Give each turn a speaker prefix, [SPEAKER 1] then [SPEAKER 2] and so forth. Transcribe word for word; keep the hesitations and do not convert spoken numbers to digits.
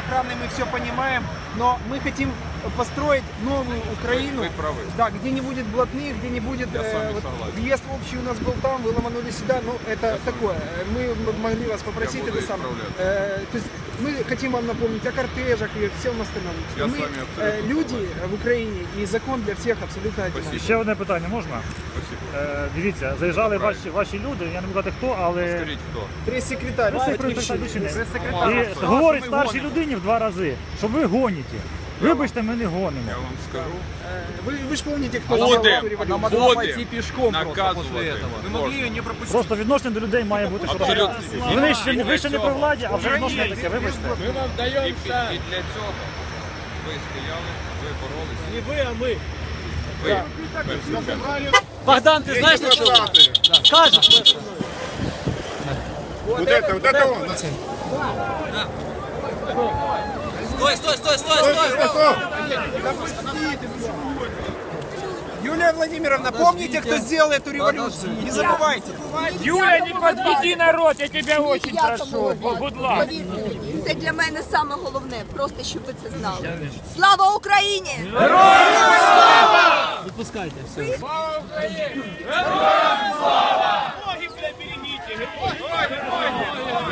[SPEAKER 1] охраной, мы все понимаем, но мы хотим построить новую Украину,
[SPEAKER 2] Вы правы.
[SPEAKER 1] да, где не будет блатных, где не будет
[SPEAKER 2] Я с вами
[SPEAKER 1] вот,
[SPEAKER 2] согласен.
[SPEAKER 1] въезд общий у нас был там, вы ломанули сюда, ну это такое. Мы могли вас попросить
[SPEAKER 2] Я буду
[SPEAKER 1] это самое.
[SPEAKER 2] исправляться.
[SPEAKER 1] Э, то есть мы хотим вам напомнить о кортежах и всем остальном.
[SPEAKER 2] Я
[SPEAKER 1] мы
[SPEAKER 2] с вами абсолютно
[SPEAKER 1] э, люди
[SPEAKER 2] согласен.
[SPEAKER 1] в Україні і закон для всіх абсолютно одинаковий.
[SPEAKER 3] Ще одне питання можна?
[SPEAKER 2] Спасибо.
[SPEAKER 3] Е, дивіться, заїжджали
[SPEAKER 2] Правильно.
[SPEAKER 3] ваші, ваші люди, я не буду казати хто, але
[SPEAKER 2] Скажіть, хто?
[SPEAKER 1] Прес-секретарь,
[SPEAKER 3] прес-секретар.
[SPEAKER 1] прес-секретарь.
[SPEAKER 3] і
[SPEAKER 1] сказав,
[SPEAKER 3] говорить
[SPEAKER 1] що ми
[SPEAKER 3] старшій
[SPEAKER 1] гонимо.
[SPEAKER 3] людині в два рази, що ви гоніте. Вибачте, ми не гонимо.
[SPEAKER 2] Я вам скажу.
[SPEAKER 1] Вы, вы же помните, кто
[SPEAKER 2] Будем,
[SPEAKER 1] сделал эту революцию?
[SPEAKER 2] будем
[SPEAKER 4] пойти пешком просто после
[SPEAKER 2] наказувати.
[SPEAKER 4] этого.
[SPEAKER 2] Вы могли ее не пропустить.
[SPEAKER 3] Просто відношення до людей має бути що
[SPEAKER 2] Абсолютно.
[SPEAKER 3] ви ще, не- ви ще не при владі, а вже відношення таке, вибачте.
[SPEAKER 4] Мы вам даем
[SPEAKER 2] І, під- і для цього ви стояли, ви боролися.
[SPEAKER 4] Не вы, а мы.
[SPEAKER 2] Ви. в першу чергу.
[SPEAKER 4] Богдан, ты знаешь, что скажешь?
[SPEAKER 5] Вот это, вот это он.
[SPEAKER 4] Стой, стой, стой, стой, стой!
[SPEAKER 1] Юлия Владимировна, помните, кто сделал эту революцию? Не забывайте.
[SPEAKER 6] Юля, не подведи народ, я тебя очень прошу. Будь ласка.
[SPEAKER 7] Це для мене саме головне, просто щоб ви це знали. Слава Україні!
[SPEAKER 4] Выпускайте, все.
[SPEAKER 6] Слава Україні! Героям слава! Ноги, бля, берегите! Героям!